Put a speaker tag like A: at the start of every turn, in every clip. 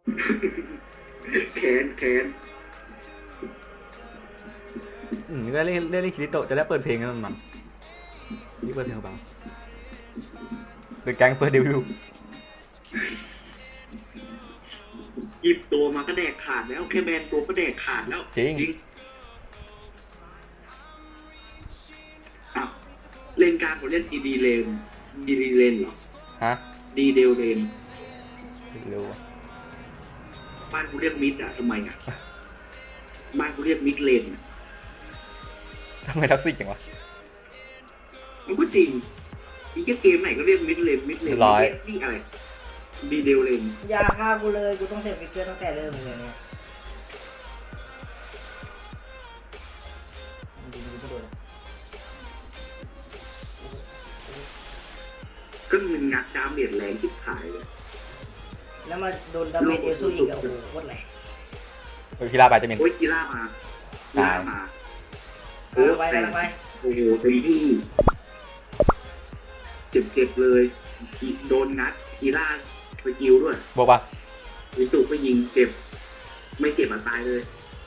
A: แค้นแค้น
B: ก็เล่นคิริโตะจะได้เปิดเพลงกันมันนี่เปิดเพลงเบาเดอะแก๊งเปิดเดวิล
A: หยิบตัวมาก็แดกขาดแล้วแค่แบนตัวก็แดกขาดแล้ว
B: จริง
A: อ้าวเลนกลางผมเล่นดีเลนเหรอ
B: ฮะ
A: ดีเดลเลน
B: เร็ว
A: บ้านกูเรียกมิดอ่ะทำไมอ่ะบ้านกูเรียกมิดเลน
B: ทำไมท็อกซิกจังวะ
A: มันก็จริงอีกแค่เกมไหนก็เรียกมิดเลน
B: ร้อย
A: นี่อะไรดีเดลเลน
C: อย่าฆ่ากูเลยกูต้องเสพฟิกเกอร์ตั้งแต่เริ่มเลยเนี่ย
A: ก็มันงัดดาเมจแรงที่ขายเลย
C: แล้วมาโดนดาเมจเอลซูอีกอ่ะโอ้โหโคตรแรง
B: กีฬาไปจะมี
A: โอ้ยกีฬามา
C: โอ้ไปแล้วไป
A: โอ้โหเต็มที่เจ็บเลยโดนงัดกีฬาไปกิวด้วย
B: บอกว่า
A: วิสุก็ยิงเจ็บไม่เจ็บมาตายเลย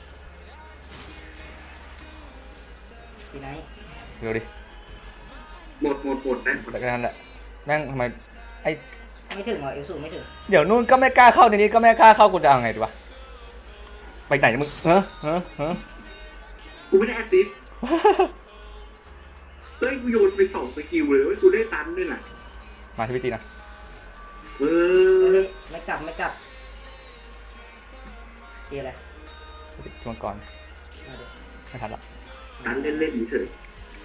C: ที่ไหน
B: เร็วดิ
A: หมดนะ
B: แต่ก็นั่นแหละแม่งทำไมไอ้
C: ไม่ถึงเหรอเอลซูไม่ถึง
B: เดี๋ยวนู่นก็ไม่กล้าเข้าในนี้ก็ไม่กล้าเข้ากูจะเอาไงดีวะไปไหนมึง
A: กูไม่ได้แอสซิสเฮ้ยกูโยนไป2 สกิลเลยกูได้ตันด้วยน่ะ
B: มาที่พิธีนะ
C: ไม่กลับตีอะไร
B: ช่วงก่อนไม่ทันละ
A: ตันเล่นเฉย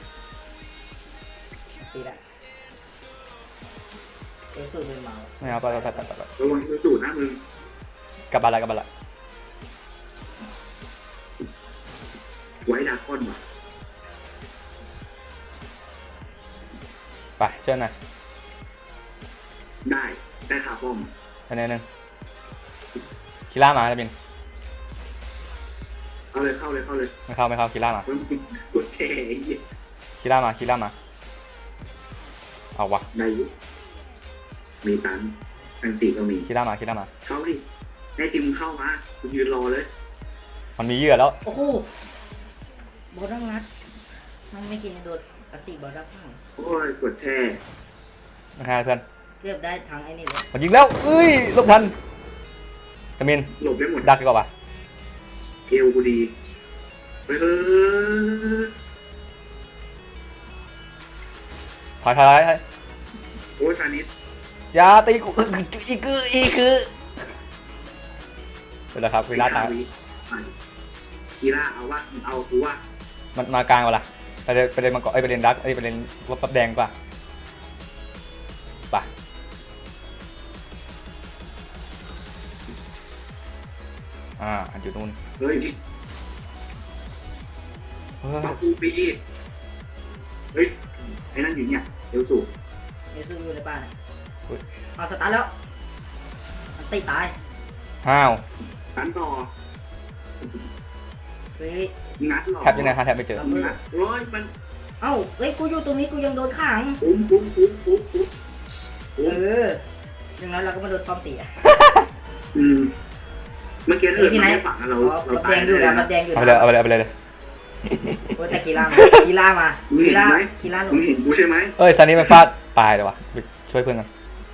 C: ตีละเอลซูเป็นเมา
B: ไม่เอาไประ
A: วังเอลซูนะมึง
B: กลับบ้านละ
A: ไว้ดาก้อนว่ะ
B: ไปเชิญหน่อย
A: ได้ขาป้อม
B: อันนี้นึงกีฬามาจะบิน
A: เอาเลยเข้า
B: ไม่เข้ากีฬามาก
A: ดแชร์
B: กีฬามาเอาวะ
A: ได้มีตันอันตีก็มี
B: กีฬามา
A: เข้าดิได้จิมเข้ามาคุณยืนรอเลย
B: มันมีเยื่อแล้ว
C: โอ้โหบอลดังนัดมันไม่กินโดนกระติบอลดัง
A: โอ้ยกดแช่
B: นะฮะเพื่อน
C: เรียบได้ทางไอ้นี่เลย
B: มันยิงแล้วหลบทันตะมิน
A: หลบได้หมด
B: ดักดีกว่าปะ
A: เอวกูดี
B: ถอย
A: โอ้ยซานิส
B: อย่าตีกูอีกคือเป็นไรครับเวลาตาย
A: คีร่าเอาว่าเอาคือว่า
B: มันมากลางวะล่ะไปเล่นมังกรไปเล่นดักไปเล่นวับแดงป่ะอันอยู่นู่น
A: เฮ้ยมาคูปีเฮ้ยไอ้นั่นอยู่เนี่ยเอลซู
C: อยู่ในบ้านเอาสตาร์ทแล้วมันตีตาย
A: ตันต่องัดหรอ
B: แทบยังไงแทบไม่เจอ
A: โอ้ยมัน
C: เอ้าเฮ้ยกูอยู่ตรงนี้กูยังโดนขัง
A: ปุ๊บ
C: อย่างนั้นเราก็มาโดนป้อมตี
A: เมื่อกี้ถ้าไม่ได้ฝังเรา
C: แดงอยู่แล้วแดงอยู่
B: เอาไปเลย
C: โอ้แต่กีฬามา
A: มึงเห็นกูใช่ไหม
B: ตอนนี้มันฟาดตายเลยวะช่วยเพื่อนกัน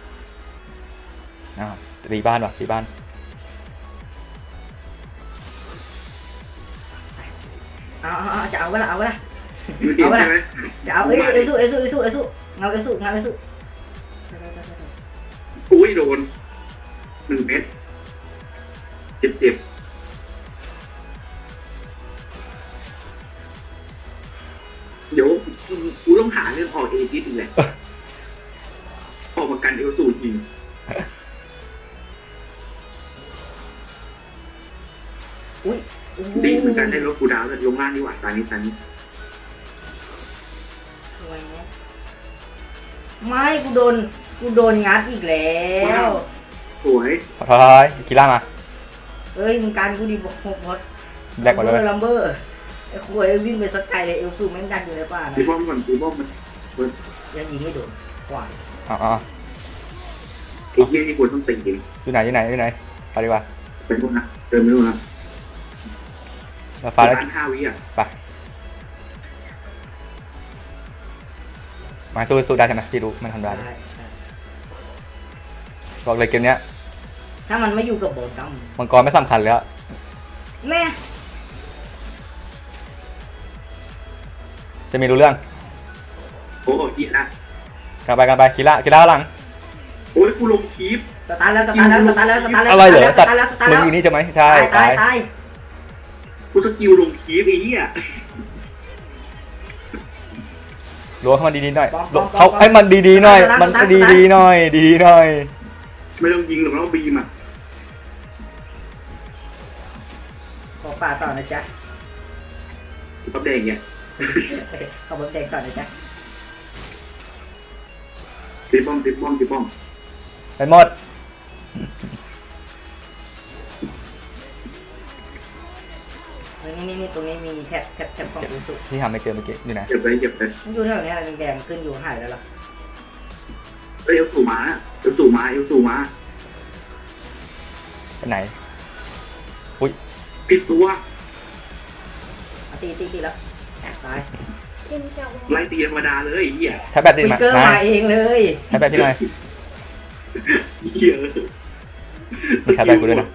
B: ตีบ้าน
C: จะเอาไว้ละจะเอาเอซูเงาเอซู
A: อุ้ยโดน1 เม็ดเจ็บเดี๋ยวกูต้องหาเรื่องออกเอจิสอีกแหละออกมากันเอลซูจริงดีเหมือนกันได้รถกูดาวลงล่างดีกว่าตอนนี้
C: ไม่กูโดนงัดอีกแล้ว
A: สวย
B: กีฬามา
C: เอ้ยมึงการกูดีบอกหมด
B: แบกหมดเลย
C: ลัมเบอร์ไอ้คุยวิ่งไปสักไกลเลยเอลซูแม่งดันอยู่ในป่า
A: ตีป้อมก่อนตีป้อมมัน
C: ยังยิงไม่โดนกว่า
A: ไอ้เหี้ยนี่ควรต้องตีจริง
B: อยู่ไหนไปดีกว่า
A: ไปนู่นนะเดินไปนู่นนะ
B: มาฟ้าแล้ว
A: ร้าน5 วิอ่ะ
B: ไปมาสู้ได้ใช่ไหมพี่รู้มันทำได้
C: ได้
B: บอกเลยเกมเนี้ย
C: ถ้ามันไม่อยู่กับโบด
B: มังกรไม่สำคัญแล้ว
C: ำแม่
B: จะมีรู้เรื่อง
A: โอ้โหอีกนะ
B: กันไปคีร่าข้างหลัง
A: โอ้ยกูลงคลิป
C: สตาร์ทแล้ว
B: อะไรเหรอ
C: ส
B: สัต
C: ตา
B: ว์
C: ร์ทแล้วสตาร์ท
B: มึ
C: แล้
B: ง
C: ว
B: อยู่นี่ใช่ไหมใช่
C: ตาย
A: กูสกิลลงคลิปไอ้เหี้ย
B: ล้วงให้มันดีๆหน่อยเขาให้มันดีๆหน่อย มันดีๆหน่อยดีหน่อย
A: ไม่ต้องยิงหรอกเราบีมอ่ะ
C: ขอป่าต่อนะจ๊ะ
A: ตับแดงเนี่ย
C: ขอบแดงต่อนะจ๊ะ
A: ตีป้อม
B: ไปหมด
C: นี่ตรงนี้มีแท็บของยูสุ
B: ที่ทำไม่เจอเมื่อกี้อยู่ไหน
A: เก็บไป
C: มันอยู่แถวนี้อะไรแดงขึ้นอยู่หายแล้วล่ะ
A: เอลสูมา
B: ไปไหน
A: ปิดตัว
C: ตีแล้วตาย
A: ไล่ตีธรรมดาเลยไอ้เหี้ย
B: ใช้แบตดิ
C: ฟิ
B: มา
C: กเกอร์มาเองเลย
B: ใช้แบตที่หน่อย
A: เหี้ย
B: มีใช้แบตกูด้วยนะ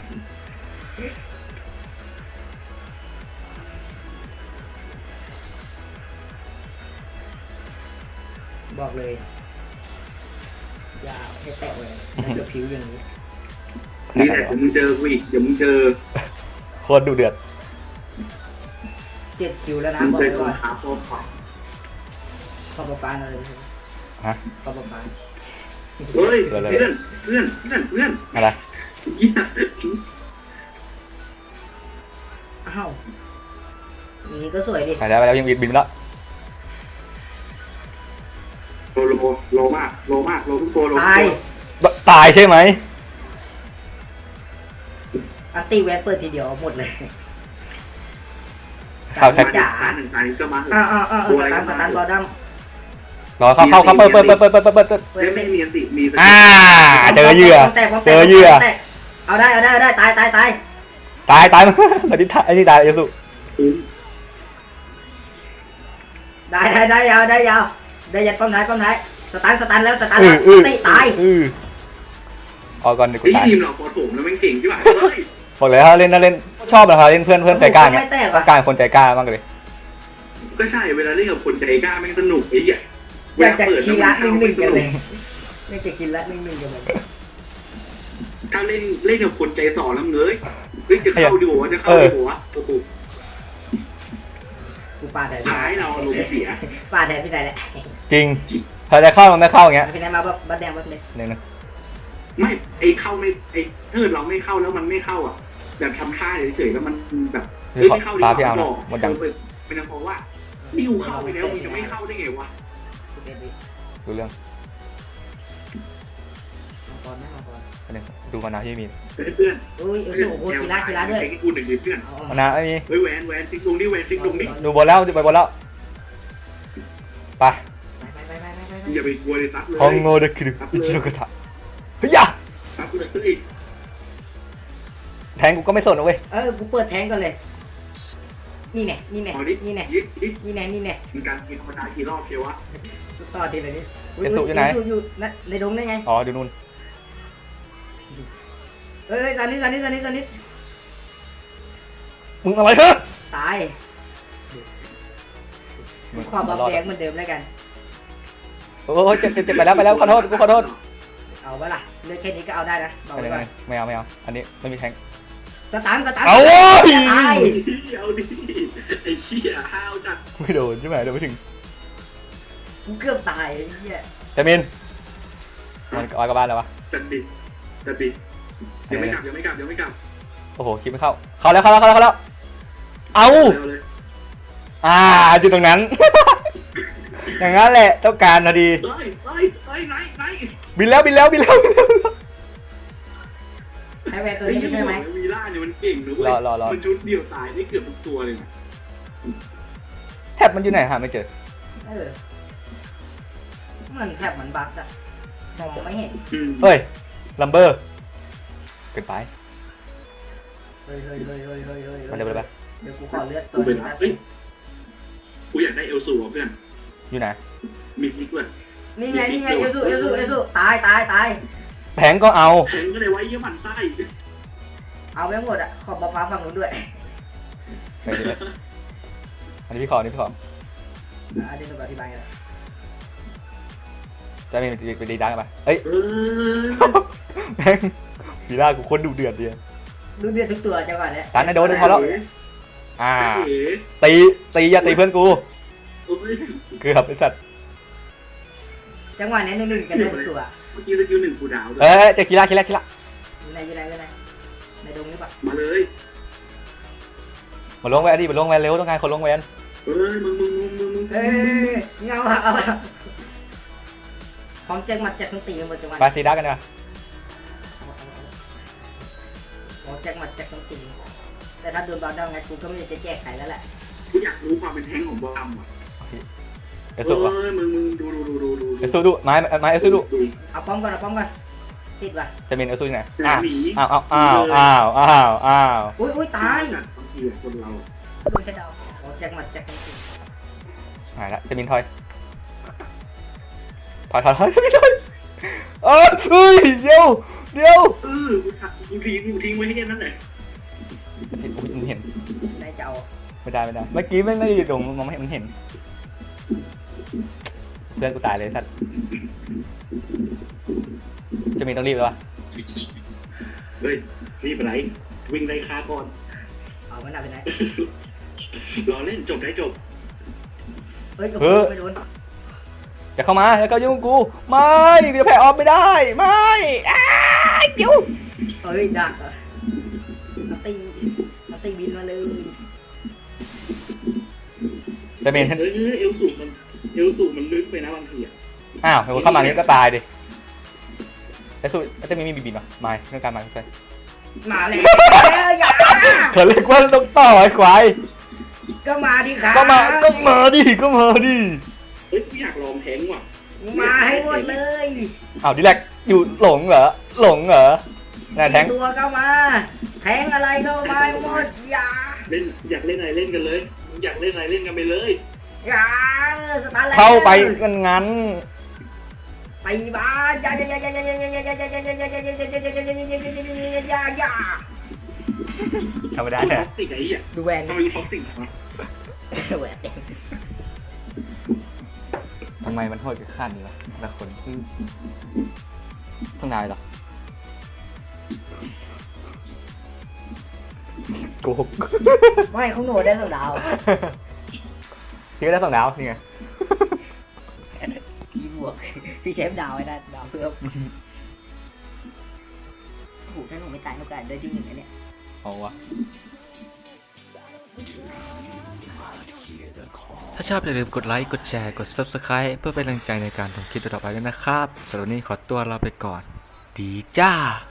C: บอกเลยอย่าให้แตะเลยจะผิวอย่างนี้
A: นี่แหละเดี๋ยวมึงเจอกูอีกเดี๋ยวมึงเจอ
B: โคตรดุเดือด
C: 7 คิวแล้วนะ
A: มึง
C: บอก
A: เจ
C: เล
A: อย
C: ว่า
A: ขาโป๊ะ
C: ขอบปานเลย
B: ฮะ
C: ขอบปาน
A: เฮ้ยเพื่อน
B: อะไร
A: เหี้ย
C: อ้าวนี่ก็สวยดิ
B: ไปแล้วยังบินแล้ว
A: โลมากทุกตัวโล
B: ตายใช่ไหม
C: อันตีแวนเปิดทีเดียวหมดเลย
B: เข้าแท็ก
A: จ๋าหนึ่งอันก็มา
C: สตันบอดัม
B: รอเข้าเปิด
A: ไม่มีอันติมี
B: เจอเหยื่อ
C: เอาได้ตาย
B: มั้งตอนนี้ไอ้นี่ตายยูสุ
C: ได้ยาวได้ยัดป้อมท้ายสตันแล้วตีตาย
B: ออกก่อนเดี๋ยวกู
A: ไอ้
B: ตาย
A: ทีมเราพอถมแล้วมันเก่งใช่ไหมเฮ้ย
B: บอกเลยถ้าเล่นชอบนะครับเล่นเพื่อนใจกล้าเนี่ยต้องการคนใจกล้ามากเลย
A: ก็ใช่เวลาเล่นกับคนใจกล้าแม่งสนุกไอ้เหี้ย
C: อยากจะกินละ1-1กันเลยไม่จะกินละ1-1กันเลย
A: ถ้าเล่นกับคนใจสอแล้วเงยจะเข้าดีหัวโอ้โห
C: กูปาแทน
A: ท้ายเราลงเสีย
C: ปาแทนพี่ไหนแหละ
B: จริงพอจะเข้ามันไม่เข้าอย่างเงี้ย
C: พี่ไหนมาบัดแดงบัดเลย
B: นึง
A: ไม่ไอ้เข้าไม่ไอ้ถ้าเราไม่เข้าแล้วมันไม่เข้าอ่ะแบบทำท่าเฉยๆแล้วมันแบบไม่เข้าดีกว่าเป็นเพราะว่านี่กูเข้าไปแล้วมึงจะไม่เข้าได้ไงวะ
B: รู้เรื่อง
C: ก่อนนะก่อน
B: นึงดูมานาที่มี
A: เพื่อน
C: อุ้ยโอ้โหกีฬาด้วย
A: ไอ้กูหนึ่งเพื่อน
B: มานาไม่มี
A: เฮ้ยแวนซิกลงดิซิกลงดิ
B: ดูบอลแล้วจะไปบอลแล้วไป
A: อย่าไปกลัวเลยซับเลย
B: ฮองโงเดคิรุอิชิโนกะทะเฮ้ย
A: ซับเลย
B: แทงกูก็ไม่สนนะเว้ย
C: กูเปิดแทงกันเลยนี่แน่
A: มีการกินธรรมดากี่รอบเชียววะ
C: ต่อทีเลยนี่อยู่ในดงได้ไง
B: อ๋อดูนู่น
C: ตอนนี้
B: มึงอะไรเฮ้ย
C: ตายความบับแดงเหมือนเดิมแล้วกัน
B: โอ้ยเจ็บไปแล้วขอโทษกูขอโทษ
C: เอาไว้ล่ะเลือกแค่นี้ก็เอาได้นะบอกไว้ก่อน
B: ไม่เอาอันนี้ไม่มีแทง
C: สตัน
B: เอาโว้ย
C: ตาย
A: เอาดิไอ้เชี่ยห้าวจัด
B: ไม่โดนใช่ไหมโดนไม่ถึง
C: กูเกือบตายไอ้เหี้ย
B: เจมินมันออยกับบ้านแล้ววะ
A: จัดดิยังไม่กลับ
B: โอ้โหคิดไม่เข้าแล้วเอาจุดตรงนั้น อย่างนั้นแหละต้องการนะดี
A: ไหน
B: บินแล้ว
C: ให้แวร์ตัวนี้ใช่ไหม
A: วีล่าเนี่ยมันเก่งนะเว้ยมันชุดเดียวตายได้เกือบทุกตัวเลย
B: แทบมันอยู่ไหนหาไม่เจอ
C: มันแทบเหมือนบั๊กอะมองไม่เห็น
B: เฮ้ยลัมเบอร์เกินไป
C: เฮ้ย
B: มาเร็วเลยปะ
C: เดี๋ยวกูขอเลือดตั
A: กู
C: ว
A: เป็น
C: นี้
A: เฮ้ยกูอยากได้เอลซูอ่ะเพื่อน
B: อยู่ไหน
A: มีพลิกด้วย
C: นี่ไงเอลซูตาย
B: แผงก็เอา
A: แทงก็เลยไว้เยี่ยมันไส้
C: เอาไปหมดอ่ะขอบฟ้าฝั่งนู้นด้วย
B: ไปเลยอันนี้พี่ขออันนี้พี่ขอ
C: อันนี้ต้องอธิบายกัน
B: จะมีไปดีดังกันปะเอ้ย แม่งพีล่ากูคนดุเดือดเดียว
C: ดูเดือดทุกตัวจังหวะเนี้ย
B: ตันนะโดนพอแล้วตีอย่าตีเพื่อนกูเกือบไอ้สัตว์
C: จังหวะนี้1-1กันได้ทุกตัว
A: เมื่อกี้สกิลหนึ่งกูดาวด้วย
B: เอ้ยจะคีล่า
C: อยู่ไหนในดงนี้ปะ
A: มาเลย
B: มาลงแวนดิมาลงแวนเร็วต้องการคนลงแวน
A: มึง
C: เอ้ยเงาเอาของแจ็คมัดแจ็คทั้งตีกันหมดจังหวะ
B: ไปซีดักกันนะ
C: ของแจ็คมัดแจ็คทั้งตีแต่ถ้าโดนบอลได้ไงกูก็ไม่ได้จะแจกใครแล้วแหละ
A: กูอยากรู้ความเป็นแท้งของบอมอ่ะ
B: เอสุวะ
A: มึงดู
B: เอสุดูไม้เอสุดู
C: เอาป้อมก่อนติดว่ะ
B: จะมีเอสุที่ไหน
A: อ้าว
C: อุ้ยตาย
A: บางทีคนเรา
C: โดนแค่ดาวของแจ็คมัดแจ็คทั้งตี
B: หายละจะมีทอยไม่ได้เอ้ยเดี๋ยว
A: กูทิ้งไว้ให้แค่นั้นแหละ
B: เห็น
C: ได้จะเอา
B: ไม่ได้เมื่อกี้ไม่ได้ดงมองไม่เห็นเพื่อนกูตายเลยสัตว์จะมีต้องรีบเลยวะ
A: เฮ้ยรีบไปไหนวิ่งไล่ฆ่าก่อน
C: เอามันเอาไปไหน
A: รอเล่นจบได้จบ
C: เฮ้ยไม่โดน
B: อย่าเข้ามาอย่าเข้ายุ่งกูไม่จะแพ้ออฟไม่ได้ไม่เดี๋ยว
C: เฮ้ยดักมาตีบินมาเลย
B: จะมี
A: เอลสูมันลึกไปนะบางทีอ่ะ
B: อ้าวเข้ามานี้ก็ตายดิแต่สุดจะมีบีบีป่ะไม่เรื่องการมาใช่
C: มาเลยอย่า
B: เขาเรียกว่าต้องต่อไอ้ควาย
C: ก็มาดิครับ
B: ก็มาดิ
A: เฮ้ยกูอยากลองแทงว่ะ
C: มาให้หมดเลย
B: อ้าวดิแลกอยู่หลงเหรอนายแทง
C: ตัวก็มาแทงอะไรก็มาหมดอย่า
A: เล่นอยากเล่นอะไรเล่นกันเลยอยากเล่นอะไรเล่นกันไปเลย
C: อย่าสตาร์ท
B: เข้าไปงั้น
C: ไปบ้าอย่า
B: ทำไม่ได้
A: ท็
B: เนี่ย
A: อกซิกไอ้เหี้ย
C: ดูแวน
A: ทำไมท็อกซิกวะ
C: แหวน
B: ทำไมมันโทษกับขั้นนี้วะละคนต้องนายหรอโกหก
C: ไม่เขาหนูได้2 ดาว
B: พี่ก็ได้2 ดาวนี่ไง
C: พี่บวกพี่เชฟดาวให้ได้ดาวเพิ่มโอ้โหถ้าหนูไม่ตายโอกาสได้ที่1นะเนี่ย
B: เอาวะถ้าชอบอย่าลืมกดไลค์กดแชร์กด Subscribe เพื่อเป็นกำลังใจในการทำคลิปต่อไปด้วยนะครับสำหรับวันนี้ขอตัวลาไปก่อนดีจ้า